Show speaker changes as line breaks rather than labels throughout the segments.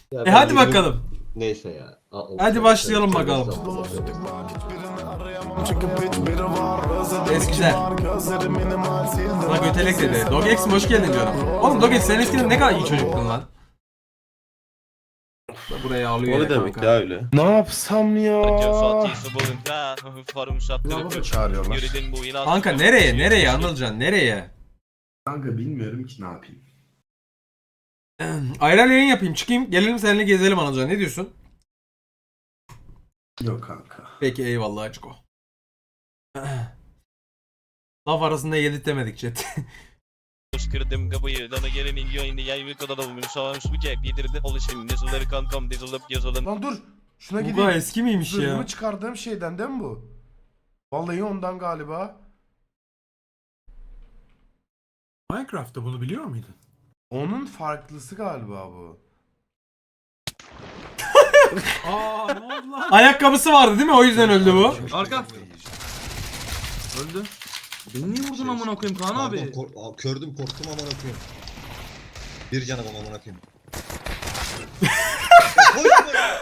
Ya
Hadi
ben
bakalım.
Neyse ya.
Hadi başlayalım bakalım. Güzel. Buna götelek dedi. Dogex'im hoş geldin diyorum. Oğlum Dogex sen eskiden ne kadar iyi çocuktun lan. Buraya alıyor
O ne
ya
demek
kanka.
ya öyle?
Ne yapsam ya?
Çağırıyorlar.
Kanka nereye Anılcan nereye?
Kanka bilmiyorum ki ne yapayım.
Ayran yayın yapayım çıkayım gelelim seninle gezelim Anılcan ne diyorsun?
Yok kanka.
Peki eyvallah Açko. Laf arasında yedirtemedik chat.
Kırdım kapıyı, dana gelenin yayını yayını kadar olmuş. Sağlamış bu cep yedirdi oluşum. Yazıları kankam dizılıp yazılın.
Lan dur. Şuna
Bu
gideyim.
kadar eski miymiş ya?
Zırhımı çıkardığım şeyden değil mi bu? Vallahi ondan galiba.
Minecraft'ta bunu biliyor muydun?
Onun farklısı galiba bu.
Aa ne oldu lan? Ayakkabısı vardı değil mi? O yüzden öldü bu.
Arka. Öldü. Beni niye vurdun amına koyayım Kaan abi?
Kördüm korktum amına koyayım. Bir canım amına koyayım. Koşma ya.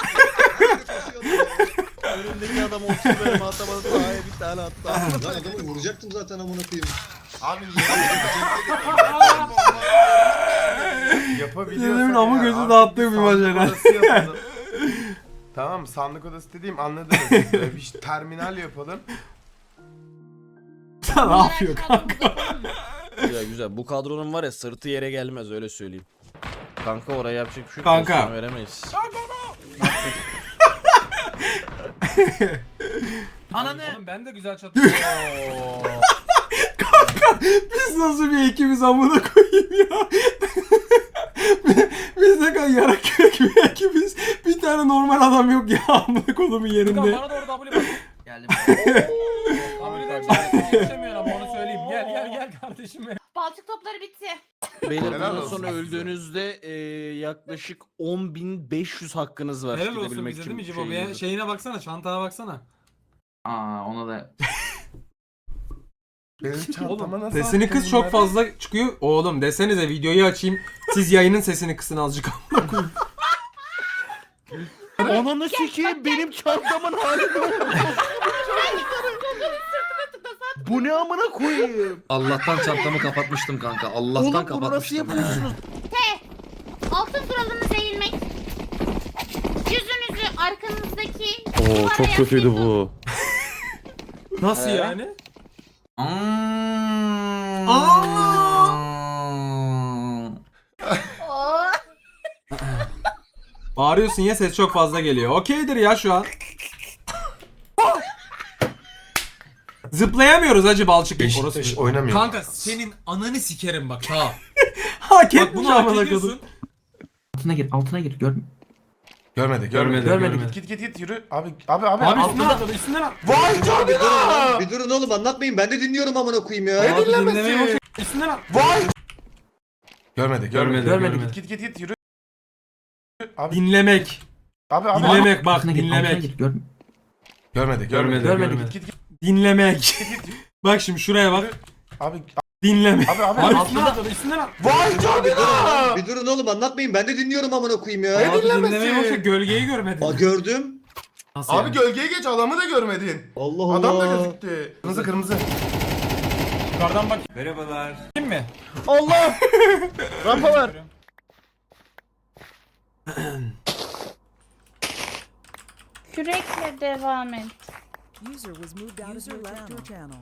Önündeki adam 30 verme atamadı daha bir tane attı.
Lan adamı vuracaktım zaten amına koyayım.
Abi yapabiliyorsak
Dedemin amı
ya,
gözü
artık
dağıttığı bir
sandık
macera.
odası yapalım. Tamam sandık odası dediğim anladınız. Bir terminal yapalım.
Sen ne yapıyor kanka?
Güzel güzel. Bu kadronun var ya sırtı yere gelmez öyle söyleyeyim. Kanka oraya yapacak bir şey yok.
Kanka.
Pozisyon veremeyiz.
Ananı.
Oğlum ben de güzel çatıyorum. Kanka biz nasıl bir ekibiz amına koyayım ya. Biz ne kadar yarak kürek bir ekibiz. Bir tane normal adam yok ya amına kodumun yerinde.
Bana doğru W bak. Geldim. W'den geçemiyorum ama onu söyleyeyim. Gel kardeşim benim.
Balçık topları bitti.
Beyler
Helal
bundan
olsun
sonra
size.
öldüğünüzde yaklaşık 10.500 hakkınız var.
Helal olsun
gidebilmek
bize
için
değil mi Cibo?
şeyinize.
Şeyine baksana çantana baksana.
Aa ona da.
Benim çantama nasıl
Sesini
attın
kıs çok
bunları?
fazla çıkıyor. Oğlum desenize videoyu açayım. Siz yayının sesini kısın azıcık amına koyayım.
Ananı sikeyim benim çantamın hali bu. Bu ne amına koyayım?
Allah'tan çantamı kapatmıştım kanka. Allah'tan
Oğlum bunu nasıl
kapatmıştım.
yapıyorsunuz?
Altın kuralınız eğilmek. Yüzünüzü arkanızdaki
Oo
duvara
çok kötüydü
yaslayın.
bu.
Nasıl yani?
Oo.
Bağırıyorsun ya ses çok fazla geliyor. Okeydir ya şu an. Zıplayamıyoruz hacı balçık.
Beşiktaş oynamıyor.
Kanka senin ananı sikerim bak ha.
Bak
Hak etmiş
bunu hak
amına
ediyorsun.
kodum.
Altına gir gör.
Görmedi.
Görmedi.
Git yürü. Abi.
Abi üstüne atladı üstüne atladı.
Vay canına.
Bir durun oğlum anlatmayın ben de dinliyorum amına koyayım ya.
Abi
dinlemesi?
dinlemeye bak. Üstüne atladı.
Vay. Görmedi.
Görmedi.
Git yürü. Abi.
Dinlemek.
Abi.
Dinlemek bak dinlemek.
Görmedi.
Görmedi.
Git.
Dinlemek. Bak şimdi şuraya bak.
Abi.
Dinlemek.
Abi.
Abi üstüne atladı üstüne atladı.
Vay canına.
Bir durun oğlum anlatmayın ben de dinliyorum amına koyayım ya.
Abi
dinlemesi?
dinlemeye bak gölgeyi görmedin.
Aa gördüm.
Nasıl
Abi
yani?
gölgeye geç adamı da görmedin.
Allah Allah.
Adam da gözüktü. Kırmızı.
Yukarıdan bak. Merhabalar. Kim mi?
Allah! Rampa ver.
Kürekle devam et.
User was moved out of your channel.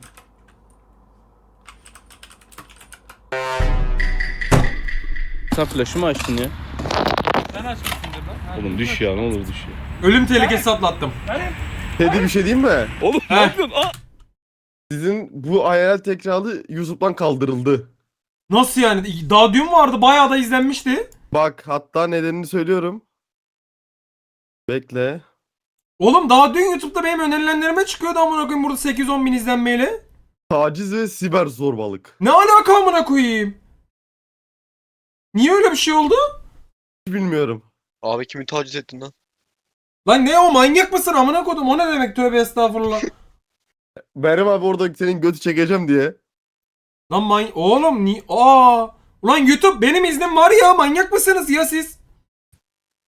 Sen flash'ı mı açtın ya?
Sen açmışsındır lan.
Oğlum düş ya ne olur düş ya.
Ölüm tehlikesi atlattım.
Dedi bir şey diyeyim mi? Oğlum
ne
yapıyorsun? Sizin bu hayal tekrarı YouTube'dan kaldırıldı.
Nasıl yani? Daha dün vardı bayağı da izlenmişti.
Bak hatta nedenini söylüyorum. Bekle.
Oğlum daha dün YouTube'da benim önerilenlerime çıkıyordu amına koyayım burada 8-10 bin izlenmeyle.
Taciz ve siber zorbalık.
Ne alaka amına koyayım? Niye öyle bir şey oldu?
Hiç bilmiyorum.
Abi kimi taciz ettin lan?
Lan ne o manyak mısın amına kodum o ne demek tövbe estağfurullah.
Meryem abi orada senin götü çekeceğim diye.
Lan oğlum ulan YouTube benim iznim var ya manyak mısınız ya siz?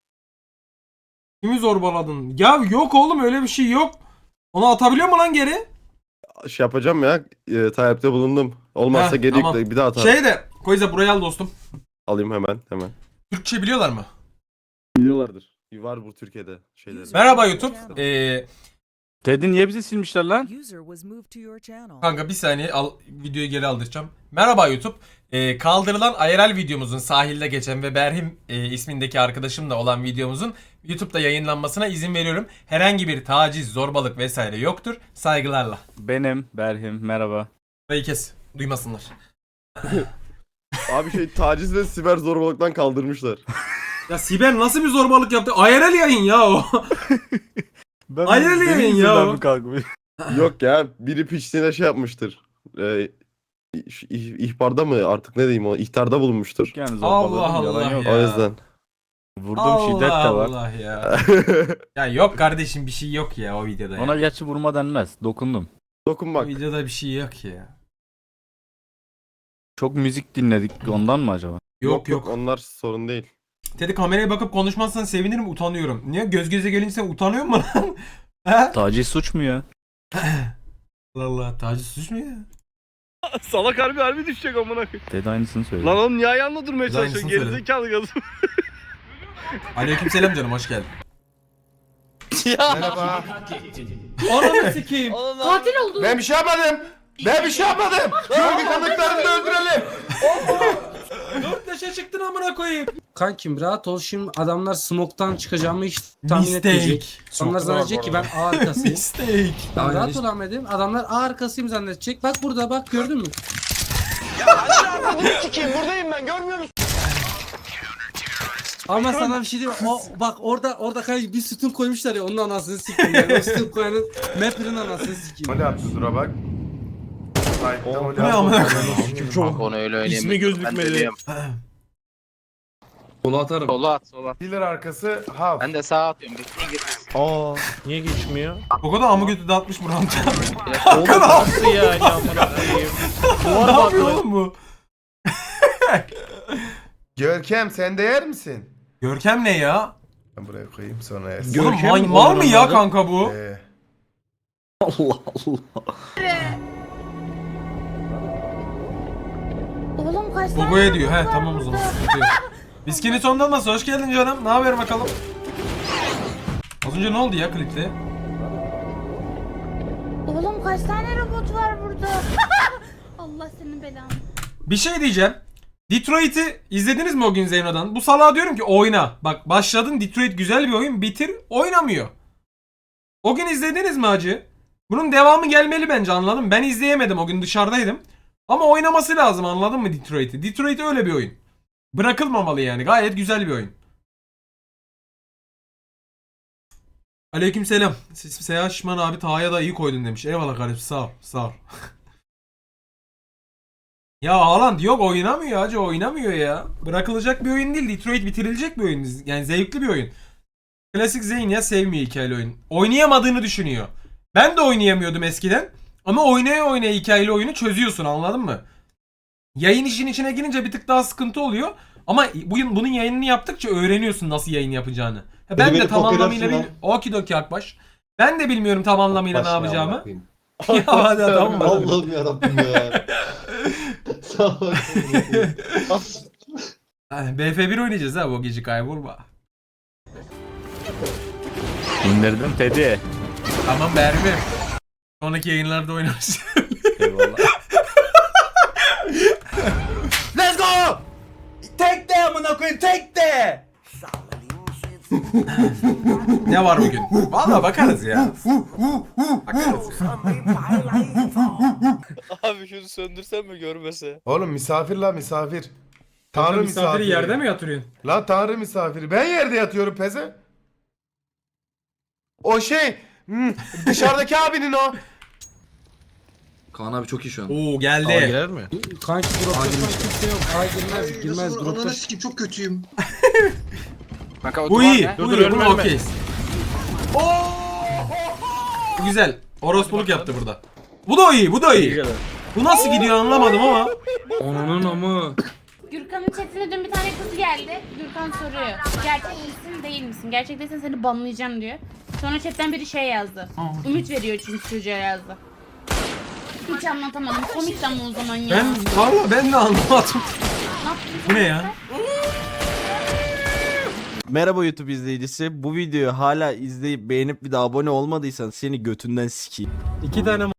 Kimi zorbaladın? Ya yok oğlum öyle bir şey yok. Onu atabiliyor mu lan geri?
Şey yapacağım ya. Talepte bulundum. Olmazsa
Heh,
geri
tamam.
yükle, bir daha atarım.
Şey de Koyza buraya al dostum.
Alayım hemen.
Türkçe biliyorlar mı?
Biliyorlardır. Var bu Türkiye'de şeyleri.
Merhaba YouTube.
Teddy niye bizi silmişler lan?
User was moved to your channel.
Kanka bir saniye videoyu geri aldıracağım. Merhaba YouTube. Kaldırılan IRL videomuzun sahilde geçen ve Berhim ismindeki arkadaşımla olan videomuzun YouTube'da yayınlanmasına izin veriyorum. Herhangi bir taciz, zorbalık vesaire yoktur. Saygılarla.
Benim Berhim merhaba.
Burayı kes. Duymasınlar.
Abi taciz ve siber zorbalıktan kaldırmışlar.
Ya Siber nasıl bir zorbalık yaptı? IRL yayın ya o.
Ben
Hayır
benim
yemin
yüzümden
ya.
mi kalkmış?
Yok ya, biri piçliğine şey yapmıştır. İhbarda mı artık ne diyeyim, o ihtarda bulunmuştur.
Yani
Allah
zorbaladım, yalan
Allah
yok.
ya.
O yüzden.
Vurduğum şiddet de var.
Allah ya. Ya yok kardeşim bir şey yok ya o videoda.
Ona
Ya.
gerçi vurma denmez. Dokundum.
O
Dokunmak.
videoda bir şey yok ya.
Çok müzik dinledik ondan mı acaba?
Yok.
Onlar sorun değil.
Teddy kameraya bakıp konuşmazsan sevinirim, utanıyorum. Niye? Göz göze gelince sen utanıyor musun lan? He?
Taciz suç mu ya?
Allah Allah, taciz suç mu ya?
Salak harbi düşecek amına koyayım.
Teddy aynısını söyledi.
Lan oğlum niye ayağınla durmaya
Biz aynısını
çalışıyorsun?
söyledik.
Gerizekalı gazım.
Aleykümselam canım, hoş geldin.
Merhaba.
Ananı sikeyim.
Katil oldu.
Ben bir şey yapmadım. Görgü tanıklarını da öldürelim.
Dört yaşa çıktın amına koyayım.
Kankim rahat ol, şimdi adamlar smoke'tan çıkacağımı hiç tahmin etmeyecek.
Mistake.
Onlar zannedecek ki ben A arkasıyım.
Mistake.
Ben rahat ol Ahmet'im. Adamlar A arkasıyım zannedecek. Bak burada bak, gördün mü? Ama sana bir şey diyeyim. O bak orada kanka bir sütun koymuşlar ya, onun anasını sikeyim yani. O sütun koyanın Mapper'ın anasını sikeyim.
Mole attı dura bak. Sahipte mole
Bu ne
attı.
amına koyayım?
Çok onu öyle oynayayım.
İsmi gözükmedi.
Sola atarım.
Sola at sola.
Dealer arkası half.
Ben de sağa atıyorum. Bekleyin girmesin.
Aa, niye geçmiyor?
O kadar amı götü dağıtmış Murat.
Oğlum nasıl yani amına koyayım?
Ne yapıyor oğlum bu?
Görkem sen de yer misin?
Görkem ne ya?
Ben buraya koyayım sonra yersin.
Oğlum mal mı ya kanka bu?
Allah Allah.
Oğlum kaç tane
Boboya diyor. He
robot var
tamam o zaman.
burada?
Sıkıntı yok. Biskini sonunda olmasa hoş geldin canım. Ne haber bakalım? Az önce ne oldu ya klipte?
Oğlum kaç tane robot var burada? Allah senin belanı.
Bir şey diyeceğim. Detroit'i izlediniz mi o gün Zeyno'dan? Bu salağa diyorum ki oyna. Bak başladın, Detroit güzel bir oyun, bitir, oynamıyor. O gün izlediniz mi hacı? Bunun devamı gelmeli bence, anladın mı? Ben izleyemedim, o gün dışarıdaydım. Ama oynaması lazım, anladın mı Detroit'i? Detroit öyle bir oyun. Bırakılmamalı yani, gayet güzel bir oyun. Aleykümselam. Seyahat Şişman abi Taha'ya da iyi koydun demiş. Eyvallah kardeşim, sağ ol, sağ ol. Ya Haaland yok, oynamıyor hacı, oynamıyor ya. Bırakılacak bir oyun değil, Detroit bitirilecek bir oyun. Yani zevkli bir oyun. Klasik Zeyn ya, sevmiyor hikayeli oyun. Oynayamadığını düşünüyor. Ben de oynayamıyordum eskiden. Ama oynaya hikayeli oyunu çözüyorsun, anladın mı? Yayın işin içine girince bir tık daha sıkıntı oluyor. Ama bunun yayınını yaptıkça öğreniyorsun nasıl yayın yapacağını. Ben de tam anlamıyla bilmiyorum. Okidoki Akbaş. Ben de bilmiyorum tam anlamıyla ne yapacağımı. Ya hadi tamam mı?
Allah'ım yarabbim ya. Sağ ol.
BF1 oynayacağız ha bu gece, kaybolma.
İndirdim Teddy.
Tamam Berbi. Sonraki yayınlarda oynarız.
Eyvallah.
Let's go! Tek de amına koyayım, tek de!
Ne var bugün? Vallahi bakarız ya. Bakarız ya.
Abi şunu söndürsen mi görmese?
Oğlum misafir la misafir. Tanrı misafiri.
yerde mi yatırıyorsun?
La tanrı misafiri. Ben yerde yatıyorum peze. O şey. Dışarıdaki abinin o.
Kaan abi çok iyi şu an.
Oo geldi.
Girer mi?
Kanki dropta kimse yok. A girmez dropta.
Ananı sikeyim, çok kötüyüm.
Bu iyi.
Dur,
Bu
dur,
iyi.
ölme,
Bu
ölme.
okeyiz. Bu güzel. Orospuluk yaptı burada. Bu da iyi. Bu da iyi. Bu nasıl gidiyor anlamadım ama.
Onunun amı.
Gürkan'ın chatine dün bir tane kız geldi. Gürkan soruyor. Gerçek misin değil misin? Gerçek değilsen seni banlayacağım diyor. Sonra chatten biri şey yazdı. Ümit veriyor çünkü çocuğa yazdı. Hiç anlatamadım. Komik ama o zaman ya.
Valla ben de anlamadım.
Ne yaptın?
Bu ne ya?
Merhaba YouTube izleyicisi. Bu videoyu hala izleyip beğenip bir de abone olmadıysan seni götünden sikeyim.
2 tane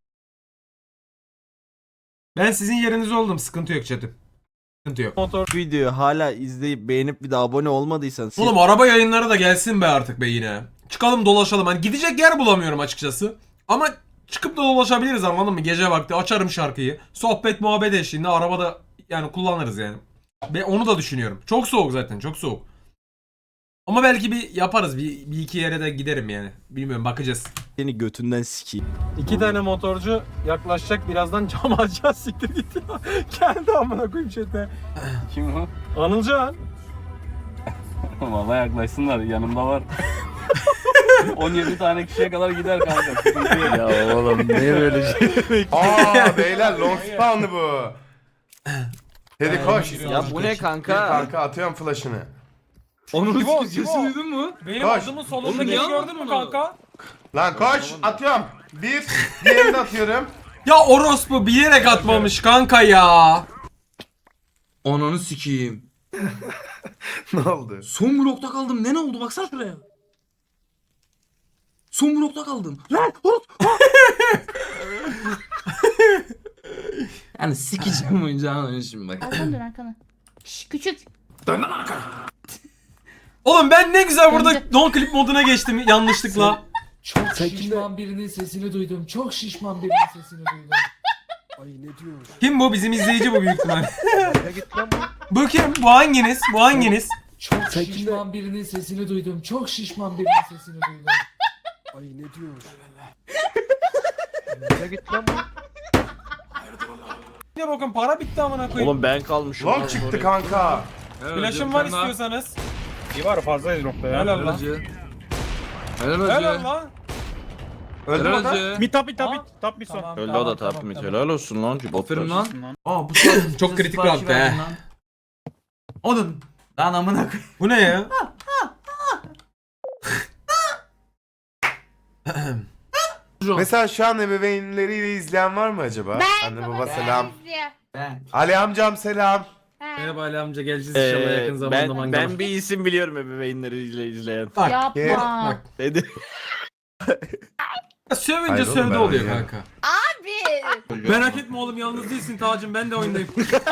Ben sizin yerinizde oldum. Sıkıntı yok chat'im. Sıkıntı yok.
Bu videoyu hala izleyip beğenip bir de abone olmadıysan seni...
Oğlum araba yayınları da gelsin be artık be yine. Çıkalım dolaşalım. Hani gidecek yer bulamıyorum açıkçası. Ama çıkıp da dolaşabiliriz, anladın mı? Gece vakti açarım şarkıyı. Sohbet muhabbet eşliğinde arabada yani kullanırız yani. Ve onu da düşünüyorum. Çok soğuk zaten, çok soğuk. Ama belki bir yaparız. Bir iki yere de giderim yani. Bilmiyorum, bakacağız.
Seni götünden sikeyim.
2 tane motorcu yaklaşacak, birazdan cam açacağız, siktir git ya. Geldi amına koyayım chat'e.
Kim o?
Anılcan.
Valla yaklaşsınlar, yanımda var. 17 tane kişiye kadar gider kanka. Sıkıntı yok.
Ya oğlum niye böyle şey?
Aa beyler long spawn'ı bu. Teddy koş.
Ya bu ne
Gir
kanka?
kanka, atıyorum flash'ını.
Onun sesini duydun mu?
Benim
Koş.
adımın
Oğlum
solunda
niye
gördün mü kanka?
Lan koş, atıyorum. Bir, diğerini de atıyorum.
Ya orospu bilerek atmamış kanka ya.
Ananı sikeyim.
Ne oldu?
Son blokta kaldım. Ne oldu? Baksana şuraya. Son blokta kaldım. Lan! Horut! Yani sikeceğim oyuncağını şimdi bak.
Arkana dön arkana. Şşş küçük.
Dön lan arkana.
Oğlum ben ne güzel burada non clip moduna geçtim yanlışlıkla.
Çok şişman birinin sesini duydum. Çok şişman birinin sesini duydum. Ay ne diyor?
Kim bu? Bizim izleyici bu büyük ihtimal. Bu kim? Bu hanginiz? Bu hanginiz?
Çok şişman birinin sesini duydum. Çok şişman birinin sesini duydum. Ay ne diyor?
Ya bakın para bitti amına koyayım.
Oğlum ben kalmışım.
Long çıktı kanka.
Flash'ım var istiyorsanız.
İyi var, fazlayız nokta ya.
Helal lan. Helal lan.
Öldü mü da?
Bir tap bir son.
Tamam,
Öldü
tamam,
o da
tamam,
tapmit.
tamam.
Helal olsun lan.
Aferin lan.
Aa bu çok kritik bir hafta he.
Oğlum. Lan amına koyayım.
Bu ne ya?
Mesela şu an ebeveynleriyle izleyen var mı acaba? Anne baba selam.
Ben.
Ali amcam selam.
Merhaba Ali amca, geleceğiz inşallah yakın zamanda mangala.
ben bir isim biliyorum ebeveynleri izleyen.
Bak,
Yapma.
bak.
Dedi.
Sövünce
Hayır oğlum,
sövde
ben
oluyor
oynuyorum.
kanka.
Abi.
Merak etme oğlum, yalnız değilsin Tacım, ben de oyundayım.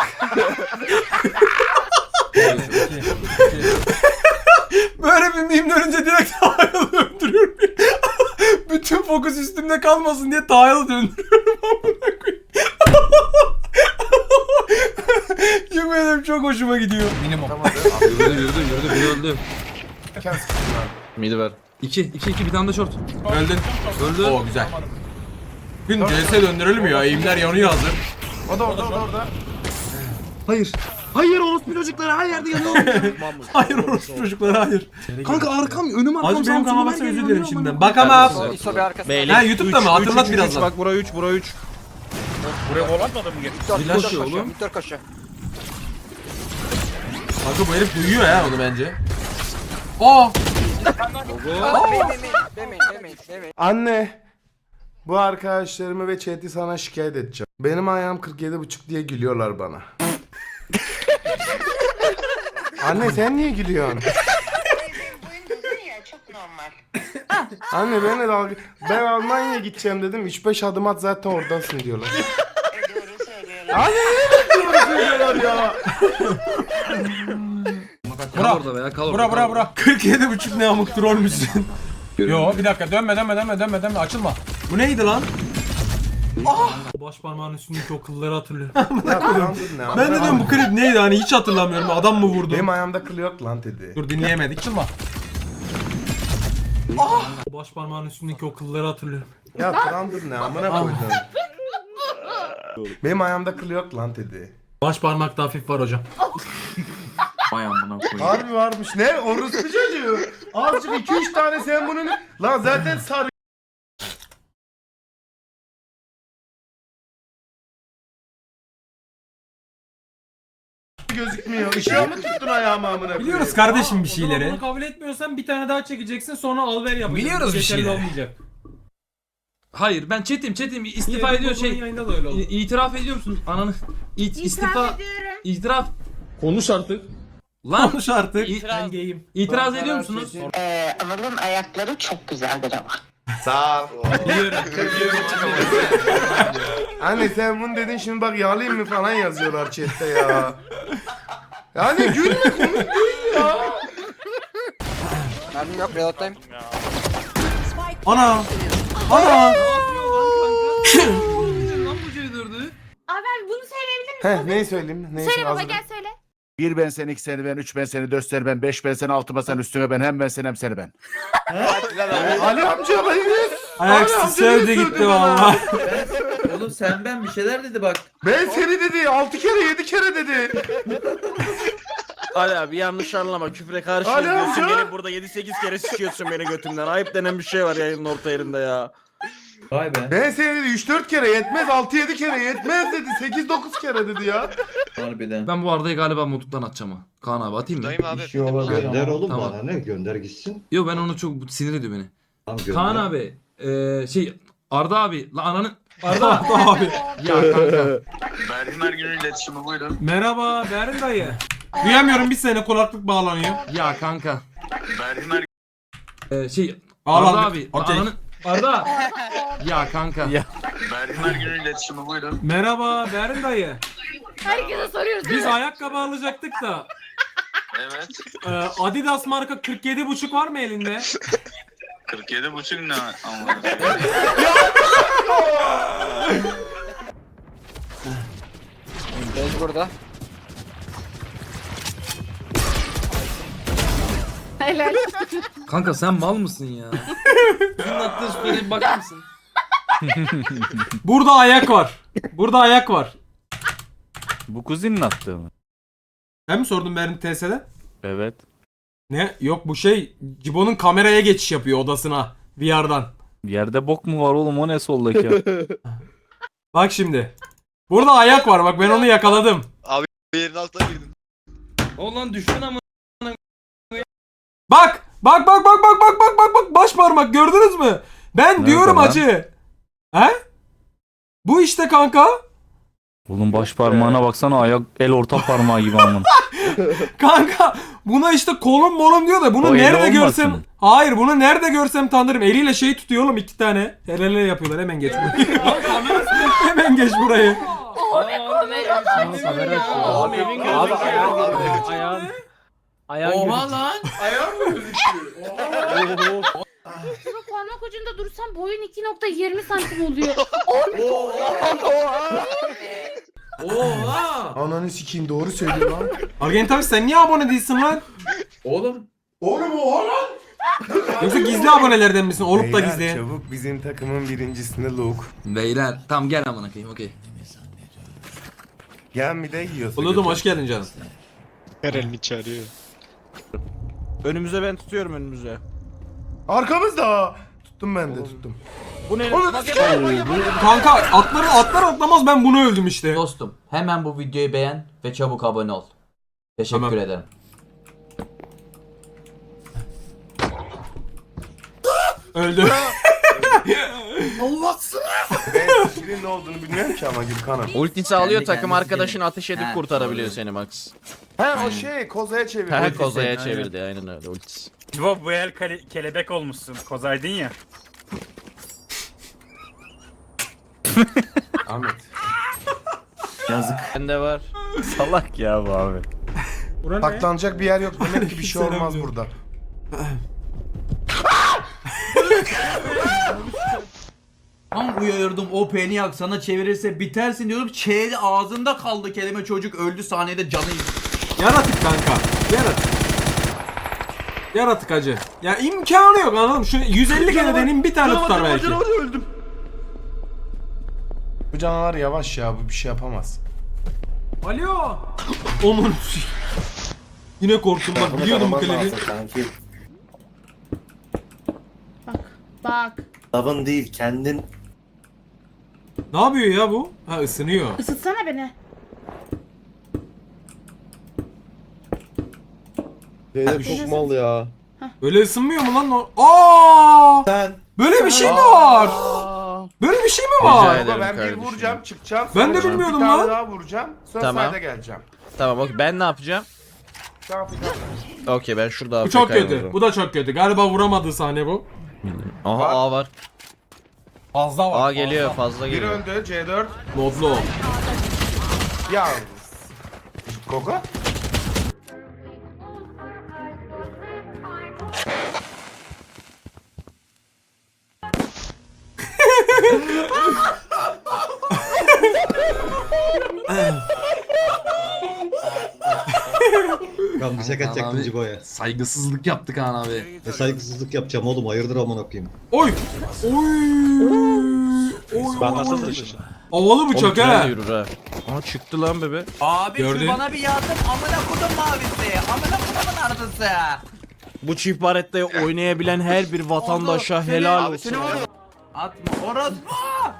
Böyle bir meme dönünce direkt Taha'yı döndürüyorum. Bütün fokus üstümde kalmasın diye Taha'yı döndürüyorum. Amına koyayım. Yemin ederim çok hoşuma gidiyor. Minimum.
Yürüdü.
Midi ver.
2 bir tane de short.
Öldün.
Öldü.
Oo güzel. Gün CS döndürelim ya. Eğimler yanıyor hazır.
O da orada.
Hayır. Hayır orospu çocukları her yerde yanıyor.
Hayır orospu çocuklar, hayır.
Kanka arkam önüm arkam.
Hacı benim
sağım,
kanalıma
solum her
özür
yer
dilerim
yanıyor
şimdiden.
amına
Bak ama.
Beylik.
Ha, YouTube'da mı? Hatırlat birazdan.
Bak bura 3 bura 3.
Buraya volatmadı mı geç?
koyayım. Flash oğlum.
Kanka bu herif duyuyor ya onu bence. Aa!
Anne. Bu arkadaşlarımı ve chat'i sana şikayet edeceğim. Benim ayağım 47,5 diye gülüyorlar bana. Anne sen niye gülüyorsun? Anne ben Almanya'ya gideceğim dedim. 3-5 adım at zaten oradasın diyorlar. Anne niye doğru söylüyorlar ya?
Kal orada be ya kal orada.
Bura. 47,5 ne amık troll müsün? Yo bir dakika, dönme açılma. Bu neydi lan? Baş parmağın üstündeki o kılları hatırlıyorum.
Ya tamam, dur ne?
Ben de diyorum bu klip neydi, hani hiç hatırlamıyorum. Adam mı vurdu?
Benim ayağımda kıl yok lan dedi.
Dur dinleyemedik. Açılma. Baş parmağın üstündeki o kılları hatırlıyorum.
Ya tamam dur ne amına koydum. Benim ayağımda kıl yok lan dedi.
Baş parmakta hafif var hocam.
Vay amına koyayım.
Harbi varmış. Ne? Orospu çocuğu. Azıcık 2-3 tane sen bunu ne? Lan zaten sarı. gözükmüyor. Işığa mı tuttun ayağımı amına koyayım?
Biliyoruz kardeşim bir
O zaman
şeyleri.
bunu kabul etmiyorsan bir tane daha çekeceksin sonra al ver yapacaksın.
Biliyoruz bir
Geçerli
şeyleri.
olmayacak. Hayır ben çetim istifa ediyor şey. Yayında da öyle oldu. İtiraf ediyor musun? Ananı
İtiraf ediyorum.
itiraf
Konuş artık.
lan
Konuş artık.
ben gayim. İtiraz ediyor musunuz?
Anıl'ın ayakları çok güzeldir ama.
Sağ ol.
Biliyorum.
Anne sen bunu dedin şimdi bak yağlayayım mı falan yazıyorlar chatte ya. Yani gülme komik değil ya.
Mermim yok reload'dayım.
Ana. Ana.
Lan bu C4'ü.
Abi ben bunu söyleyebilir miyim?
Heh neyi söyleyeyim? Neyi
Söyle baba
hazırım.
gel söyle.
1 ben sen, 2 seni ben, 3 ben seni, 4 seni ben, 5 ben seni, 6 ben sen, üstüne ben, hem ben sen hem seni ben.
Ali amca bayılır.
Ayaksız sevdi gitti valla.
Oğlum sen ben bir şeyler dedi bak.
Ben seni dedi 6 kere 7 kere dedi.
Ali abi yanlış anlama, küfre karşı
Ali
diyorsun,
amca!
gelip burada 7-8 kere sikiyorsun beni götümden. Ayıp denen bir şey var yayının orta yerinde ya.
Vay be.
Ben seni dedi 3-4 kere yetmez 6-7 kere yetmez dedi 8-9 kere dedi ya.
Harbiden.
Ben bu Arda'yı galiba mutluluktan atacağım ha. Kaan abi atayım mı?
Dayım abi.
Gönder
oğlum
Tamam.
bana ne, gönder gitsin.
Yo ben onu çok sinir ediyor beni.
Tamam, gönder.
Kaan abi şey Arda abi la ananın
Arda abi.
ya kanka.
Bergin günü iletişimi buyurun.
Merhaba Berin dayı. Duyamıyorum bir sene kulaklık bağlanıyor.
Ya kanka.
Bergin
Şey
Bağlandık.
Arda abi la
Okey.
ananın Arda. Ya kanka.
Ya.
Bergin günü iletişimi buyurun.
Merhaba Berin dayı.
Herkese soruyoruz.
Biz ayakkabı alacaktık da.
Evet.
Adidas marka 47,5 var mı elinde?
47,5 ne anladım.
Bez burada.
Helal.
Kanka sen mal mısın ya? Bunun attığı şüpheye bakar mısın?
Burada ayak var. Burada ayak var.
Bu kuzinin attığı mı?
Sen mi sordun Berin TS'de?
Evet.
Ne? Yok bu şey Cibo'nun kameraya geçiş yapıyor odasına VR'dan.
Yerde bok mu var oğlum, o ne soldaki?
Bak şimdi. Burada ayak var bak ben onu yakaladım.
Yerin altına girdim.
Oğlan düştün ama.
Bak baş parmak gördünüz mü? Ben
Nerede
diyorum
lan?
acı. He? Bu işte kanka.
Oğlum baş parmağına baksana, ayak el orta parmağı gibi amın.
Kanka buna işte kolum molum diyor da bunu
O eli
nerede
olmasın.
görsem. Hayır bunu nerede görsem tanırım. Eliyle şey tutuyor oğlum 2 tane. El ele yapıyorlar hemen geç burayı. Hemen geç burayı.
Abi evin
Oha lan.
Ayağım mı gözüküyor?
Şurada parmak ucunda dursam boyun 2.20 santim oluyor.
Oha.
Ananı sikeyim doğru söylüyor lan.
Argent abi sen niye abone değilsin lan?
Oğlum.
Oğlum oha lan.
Yoksa gizli abonelerden misin? Olup da
Beyler,
gizleyen.
çabuk bizim takımın birincisinde Luke.
Beyler tam gel amına koyayım okey.
Gel bir de yiyorsun.
Buludum hoş geldin canım.
Önümüze ben tutuyorum, önümüze.
Arkamızda. Tuttum ben de tuttum.
Bu ne?
Onu
Kanka atlar atlamaz ben bunu öldüm işte.
Dostum hemen bu videoyu beğen ve çabuk abone ol. Teşekkür
Tamam.
ederim.
Öldü.
ben skill'in ne olduğunu bilmiyorum ki ama Gülkan'ım.
Ultisi alıyor,
Kendi
takım
kendisi
arkadaşını ateş edip
Ha,
kurtarabiliyor
doğru.
seni Max.
He o şey kozaya çevir.
He
Ultisi.
kozaya çevirdi, aynen öyle ultisi.
Bu el kelebek olmuşsun. Kozaydın ya.
Ahmet.
Bende var.
Salak ya bu abi.
Saklanacak bir yer yok. Demek ki bir şey olmaz burada.
Tam uyarırdım o peniyak sana çevirirse bitersin diyorum. Çeyli ağzında kaldı kelime, çocuk öldü saniyede canı.
Yaratık kanka. Yaratık acı. Ya imkanı yok anladın mı? Şu 150 kere deneyim bir tane tutar belki.
öldüm.
Bu canavar yavaş ya bu bir şey yapamaz.
Alo. Onun. Yine korktum bak biliyordum bu klibi.
Bak.
Lavın değil kendin.
Ne yapıyor ya bu? Ha ısınıyor.
Isıtsana beni.
Zeynep çok mal ya.
Öyle ısınmıyor mu lan o? Aa! Böyle bir şey mi var? Böyle bir şey mi var?
ederim
Ben bir
kardeşim.
vuracağım çıkacağım.
Ben de
sonra
bilmiyordum
bir tane
lan.
daha vuracağım. Sonra
Tamam.
sayda geleceğim.
Tamam okey, ben ne yapacağım?
Ne yapacağım?
Okey, ben şurada
Bu çok
AFK'yim o
kötü.
zaman.
Bu da çok kötü. Galiba vuramadığı sahne bu.
Aha A var.
Fazla var.
A geliyor, fazla
Bir
geliyor.
öndü C4.
Modlu.
Ya. Koko.
Ben bir şaka çektim Cigo'ya.
Saygısızlık yaptık Han abi.
Ne saygısızlık yapacağım oğlum, hayırdır amına koyayım.
Oy!
Ben nasıl düştüm?
Havalı bıçak
Tünel
ha.
yürür ha. Aa çıktı lan bebe.
Abi
Gördün.
şu bana bir yardım amına kodum mavisi. Amına kodumun ardısı.
Bu çift barette oynayabilen her bir vatandaşa
Oldu.
helal
Abi
olsun.
seni oldu. Atma orospu.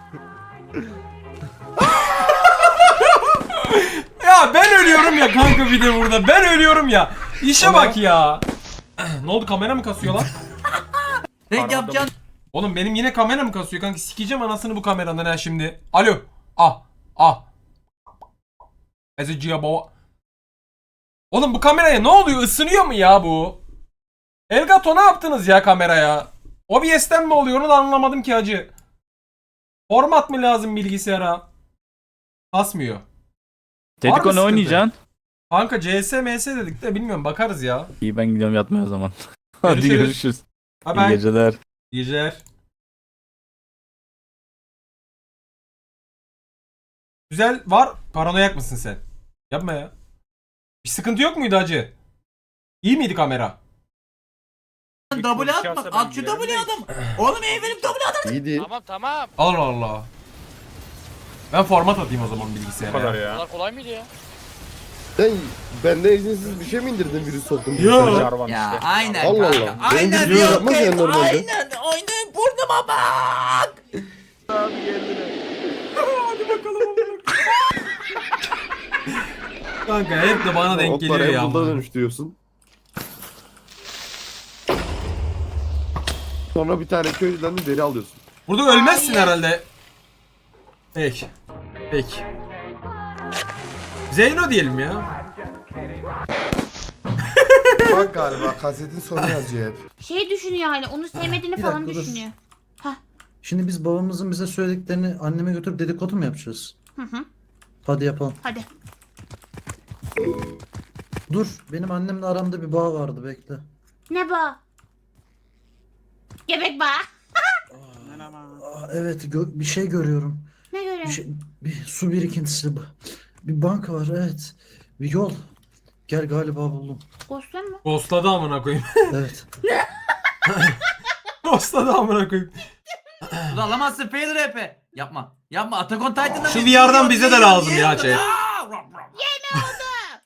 Ya ben ölüyorum ya kanka bir de burada. Ben ölüyorum ya. İşe bak ya. Ne oldu, kamera mı kasıyor lan?
Renk yapacaksın.
Oğlum benim yine kamera mı kasıyor kanka? Sikeceğim anasını bu kameranın ha şimdi. Alo. Ah. Ezeciye baba. Oğlum bu kameraya ne oluyor? Isınıyor mu ya bu? Elgato ne yaptınız ya kameraya? OBS'ten mi oluyor onu da anlamadım ki hacı. Format mı lazım bilgisayara? Kasmıyor.
Tetiko ne oynayacaksın?
Kanka CS MS dedik de bilmiyorum, bakarız ya.
İyi, ben gidiyorum yatmaya o zaman. Hadi
Görüşürüz.
görüşürüz.
Bye
İyi
bye.
geceler.
İyi geceler. Güzel var. Paranoyak mısın sen? Yapma ya. Bir sıkıntı yok muydu hacı? İyi miydi kamera?
Double at bak. At şu double adam. Oğlum benim double adam.
İyiydi.
Tamam.
Allah Allah. Ben format atayım o zaman bilgisayara.
Bu kadar kolay mıydı ya?
Sen benden izinsiz bir şey mi indirdin, virüs soktun?
Yo.
Ya aynen
Allah
kanka.
Allah.
Aynen
Benim
diyor.
yapmaz ya normalde.
Aynen. Aynen burnuma bak.
Kanka hep de bana denk geliyor ya.
Otlar dönüştürüyorsun. Sonra bir tane köylüden de deri alıyorsun.
Burada ölmezsin herhalde. Peki. Zeyno diyelim ya.
Bak galiba kasetin sonu yazıyor hep.
Şey düşünüyor hani, onu sevmediğini
Bir
falan
dakika, dur.
düşünüyor.
Şimdi biz babamızın bize söylediklerini anneme götürüp dedikodu mu yapacağız?
Hı.
Hadi yapalım.
Hadi.
Dur, benim annemle aramda bir bağ vardı, bekle.
Ne bu? Göbek bağı.
Aa, evet, bir şey görüyorum.
Ne göre?
Bir su birikintisi. Bir banka var, evet. Bir yol. Gel, galiba buldum.
Ghost'un mu?
Ghostladı amına koyayım.
Evet.
Ghostladı amına koyayım.
Ulan alamazsın fail rap'i. Yapma. Yapma. Attack on Titan'da
Şu VR'dan bize de lazım ya chat.
Yeni oldu.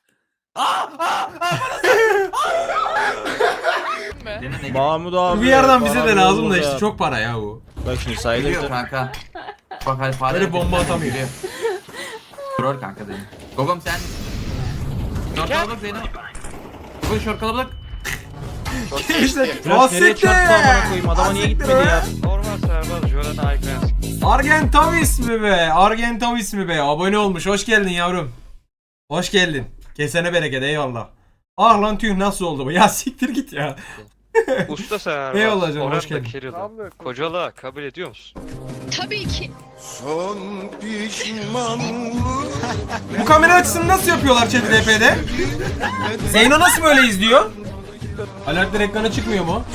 Mahmut abi.
Bir yerden bize de
bana
lazım da
olur
işte
ya.
çok para ya bu.
Bak şimdi sayılır.
Geliyor kanka. Bak hadi fare.
Böyle bomba atamıyor.
Troll kanka benim. Gogom sen. Şort kalabalık Zeyno. Gogom şort kalabalık.
İşte
Biraz nereye çarptı amına koyayım, adama niye gitmedi ya?
Normal serbaz. Jordan Aykens.
Argentavis mi be? Abone olmuş. Hoş geldin yavrum. Hoş geldin. Kesene bereket, eyvallah. Ah lan tüh, nasıl oldu bu? Ya siktir git ya.
Usta serbaz.
Eyvallah canım, hoş
Oranda
geldin.
Kirill'ı. Kocalığa kabul ediyor musun?
Tabii ki.
Son pişmanlık.
Bu kamera açısını nasıl yapıyorlar chat RP'de? Zeyno nasıl böyle izliyor? Alertler ekrana çıkmıyor mu?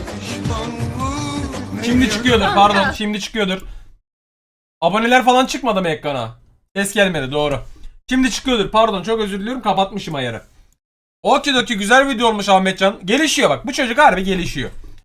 Şimdi çıkıyordur, pardon, şimdi çıkıyordur. Aboneler falan çıkmadı mı ekrana? Ses gelmedi, doğru. Şimdi çıkıyordur, pardon, çok özür diliyorum, kapatmışım ayarı. Okidoki, güzel video olmuş Ahmetcan. Gelişiyor bak, bu çocuk harbi gelişiyor.